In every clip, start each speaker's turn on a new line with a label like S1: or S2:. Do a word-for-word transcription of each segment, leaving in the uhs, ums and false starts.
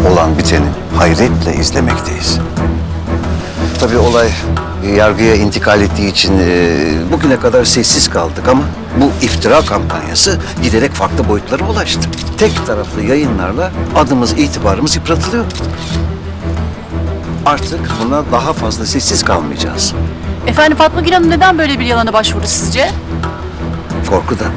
S1: olan biteni hayretle izlemekteyiz. Tabii olay yargıya intikal ettiği için e, bugüne kadar sessiz kaldık ama bu iftira kampanyası giderek farklı boyutlara ulaştı. Tek taraflı yayınlarla adımız, itibarımız yıpratılıyor. Artık buna daha fazla sessiz kalmayacağız.
S2: Efendim Fatma Gül Hanım neden böyle bir yalana başvurdu sizce?
S1: Korkudan.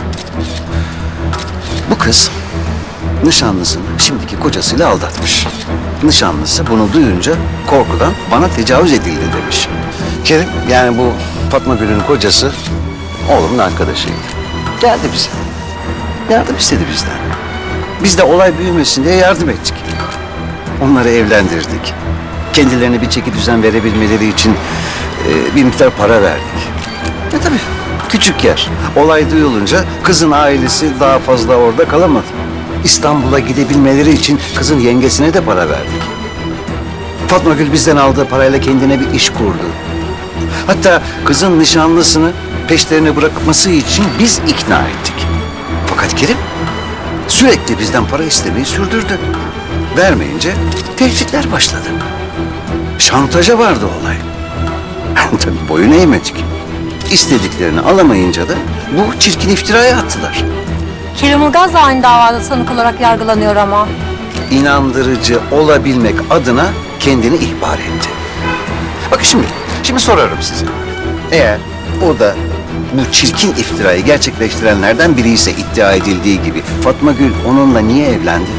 S1: Bu kız nişanlısını şimdiki kocasıyla aldatmış. Nişanlısı bunu duyunca korkudan bana tecavüz edildi demiş. Kerim, yani bu Fatma Gül'ün kocası oğlumun arkadaşıydı. Geldi bize. Yardım istedi bizden. Biz de olay büyümesin diye yardım ettik. Onları evlendirdik. Kendilerine bir çeki düzen verebilmeleri için e, bir miktar para verdik. E tabii küçük yer. Olay duyulunca kızın ailesi daha fazla orada kalamadı. İstanbul'a gidebilmeleri için kızın yengesine de para verdik. Fatma Gül bizden aldığı parayla kendine bir iş kurdu. Hatta kızın nişanlısını peşlerine bırakması için biz ikna ettik. Fakat Kerim sürekli bizden para istemeyi sürdürdü. Vermeyince tehditler başladı. Şantaja vardı olay. Tabii boyun eğmedik. İstediklerini alamayınca da bu çirkin iftiraya attılar.
S3: Kerim Ilgaz da aynı davada sanık olarak yargılanıyor ama.
S1: İnandırıcı olabilmek adına kendini ihbar etti. Bakın şimdi, şimdi sorarım size. Eğer o da bu çirkin iftirayı gerçekleştirenlerden biri ise iddia edildiği gibi Fatma Gül onunla niye evlendi?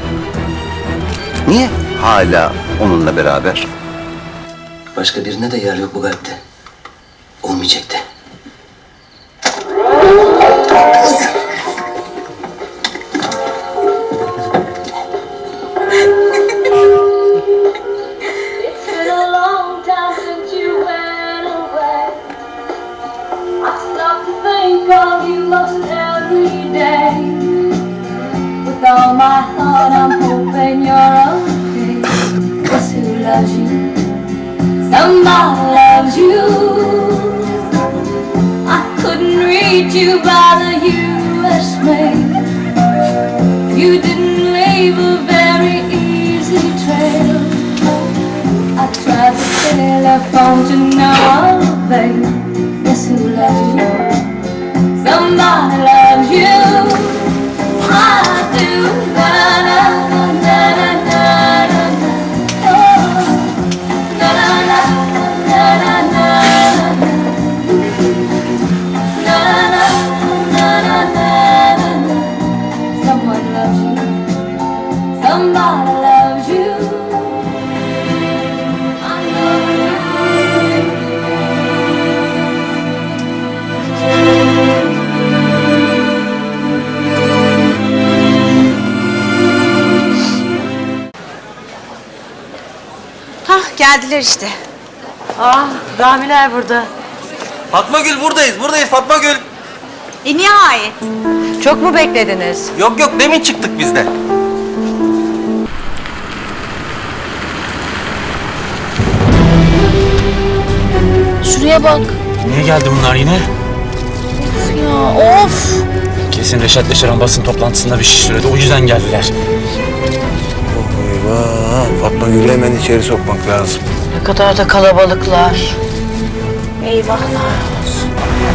S1: Niye hala onunla beraber?
S4: Başka birine de yer yok bu kalpte. Olmayacak da.
S5: With all my heart, I'm hoping you're okay. 'Cause who loves you? Somebody loves you. I couldn't reach you by the U S mail. You didn't leave a very easy trail. I tried the telephone to no avail. Guess who loves you? Somebody loves you. I do. Na na na na na na na. Oh, na na na na na na. Na na na na na na. Someone loves you. Somebody loves you. I know you.
S3: Hah geldiler işte. Ah Ramiler burada.
S6: Fatma Gül buradayız, buradayız Fatma Gül.
S3: E nihayet. Çok mu beklediniz?
S6: Yok yok demin çıktık biz de.
S2: Şuraya bak.
S7: Niye geldi bunlar yine?
S2: Of ya of.
S7: Kesin Reşat Yaşar'ın basın toplantısında bir şey söyledi. O yüzden geldiler.
S8: Eyvah! Fatma Gül'ü hemen içeri sokmak lazım.
S2: Ne kadar da kalabalıklar. Eyvahlar olsun.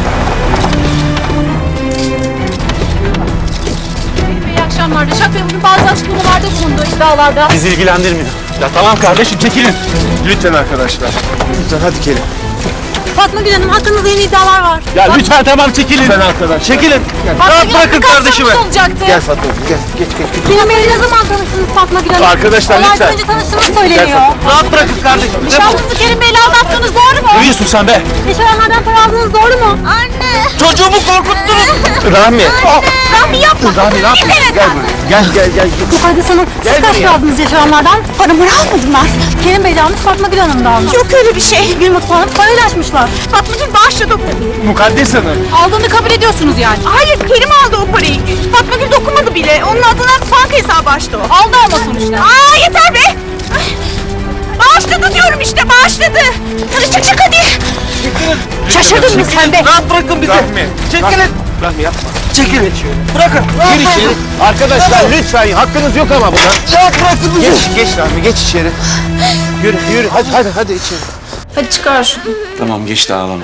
S2: İyi akşamlar. Reşat Bey bugün bazı açıklamalarda bulundu iddialarda.
S7: Bizi ilgilendirmiyor. Ya tamam kardeşim çekilin.
S8: Lütfen arkadaşlar. Lütfen hadi Kerim.
S3: Fatma Gül Hanım hakkınızda yeni iddialar var.
S7: Ya lütfen tamam çekilin.
S8: Lütfen arkadaşlar.
S7: Çekilin.
S3: Fatma Gül
S7: bırakın kardeşimi.
S3: olacaktı.
S8: Gel Fatma Gül gel. Geç geç geç.
S3: Kerim Bey'le ne zaman tanıştınız Fatma Gül Hanım?
S8: Arkadaşlar, lütfen.
S3: Olaydan önce tanıştığınız söyleniyor.
S7: Rahat bırakın kardeşim.
S3: Nişanlınızı Kerim Bey'le aldattınız doğru mu?
S7: Ne diyorsun sen be?
S3: Yaşayanlardan para aldınız doğru mu? Anne.
S7: Çocuğumu korkuttunuz.
S8: Rahmi.
S3: Rahmi yapma.
S8: Rahmi ne yapıyorsun? Gel buraya. Gel gel gel.
S3: Mukaddes Hanım, siz kaç para aldınız yaşayanlardan? Paramı almadım ben. Kerim Bey de almış, Fatma Gül Hanım da almış. Yok öyle bir şey. Gül mutfağını paylaşmışlar. Fatma Gül bağışladı.
S8: Mukaddes Hanım.
S2: Aldığını kabul ediyorsunuz yani.
S3: Hayır, Kerim aldı o parayı. Fatma Gül dokunmadı bile. Onun adına banka hesabı açtı o.
S2: Aldı ama sonuçta.
S3: Aa yeter be! Ay, bağışladı diyorum işte, bağışladı. Hadi çık çık hadi. Şaşırdın mı sen be?
S7: Rahat bırakın bizi.
S8: Rahmi.
S7: Çekilin.
S8: Rahmi yapma.
S6: Çekilin. Bırakın.
S8: Gir içeri. Arkadaşlar lütfen hakkınız yok ama buna.
S6: Ya bırakın bizi.
S8: Geç, geç Rahmi, geç içeri. Yürü, yürü. Hadi, hadi, hadi içeri.
S2: Hadi çıkar şunu.
S7: Tamam geçti ağlama.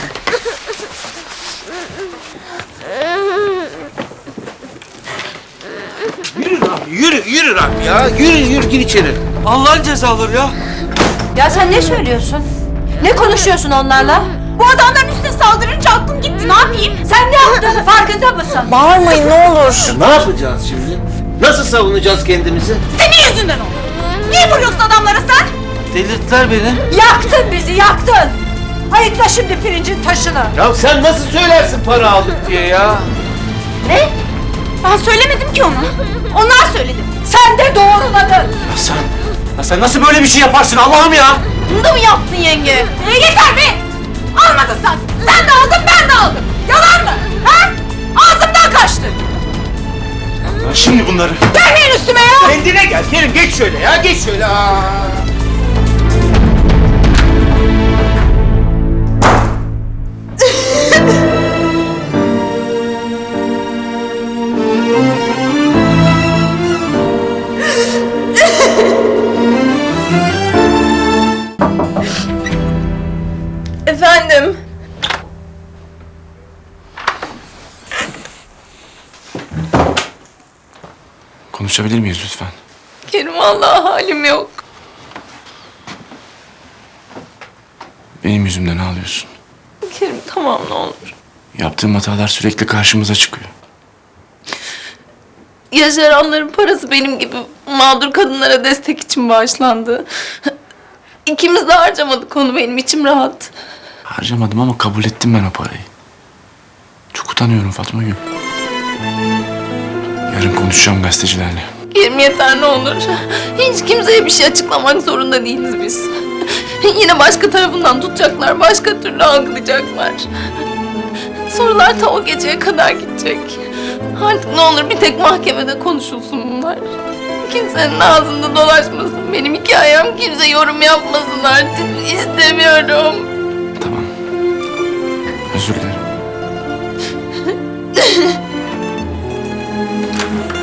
S8: Yürü Rahmi, yürü, yürü Rahmi ya. Yürü, yürü, gir içeri.
S6: Allah'ın cezaları ya.
S3: Ya sen ne söylüyorsun? Ne konuşuyorsun onlarla? Bu adamların üstüne saldırınca aklım gitti. Ne yapayım? Sen ne yaptığını farkında mısın? Bağırmayın ne olur.
S8: Ne yapacağız şimdi? Nasıl savunacağız kendimizi?
S3: Senin yüzünden oldu. Niye vuruyorsun adamlara sen?
S6: Delirttiler beni.
S3: Yaktın bizi yaktın. Ayıkla şimdi pirincin taşını.
S8: Ya sen nasıl söylersin para aldık diye ya?
S3: Ne? Ben söylemedim ki ona. Onlar söyledi. Sen de doğruladın.
S7: Ya sen, ya sen nasıl böyle bir şey yaparsın Allah'ım ya?
S3: Bunu da mı yaptın yenge? E yeter be! Almadın sen. Sen de aldın ben de aldım. Yalan mı? Ha? Ağzımdan kaçtı.
S7: Ya şimdi bunları.
S3: Gelmeyin üstüme ya.
S8: Kendine gel Kerim, geç şöyle ya, geç şöyle. Aa.
S3: Efendim?
S7: Konuşabilir miyiz lütfen?
S2: Kerim vallahi halim yok.
S7: Benim yüzümden ağlıyorsun.
S2: Kerim tamam ne olur.
S7: Yaptığım hatalar sürekli karşımıza çıkıyor.
S2: Yaşaranların parası benim gibi mağdur kadınlara destek için bağışlandı. İkimiz de harcamadık onu, benim içim rahat.
S7: Harcamadım ama kabul ettim ben o parayı. Çok utanıyorum Fatma Gül. Yarın konuşacağım gazetecilerle.
S2: Kerim yeter ne olur. Hiç kimseye bir şey açıklamak zorunda değiliz biz. Yine başka tarafından tutacaklar, başka türlü algılayacaklar. Sorular ta o geceye kadar gidecek. Artık ne olur bir tek mahkemede konuşulsun bunlar. Kimsenin ağzında dolaşmasın benim hikayem, kimse yorum yapmasın artık. İstemiyorum.
S7: Tamam. Özür dilerim.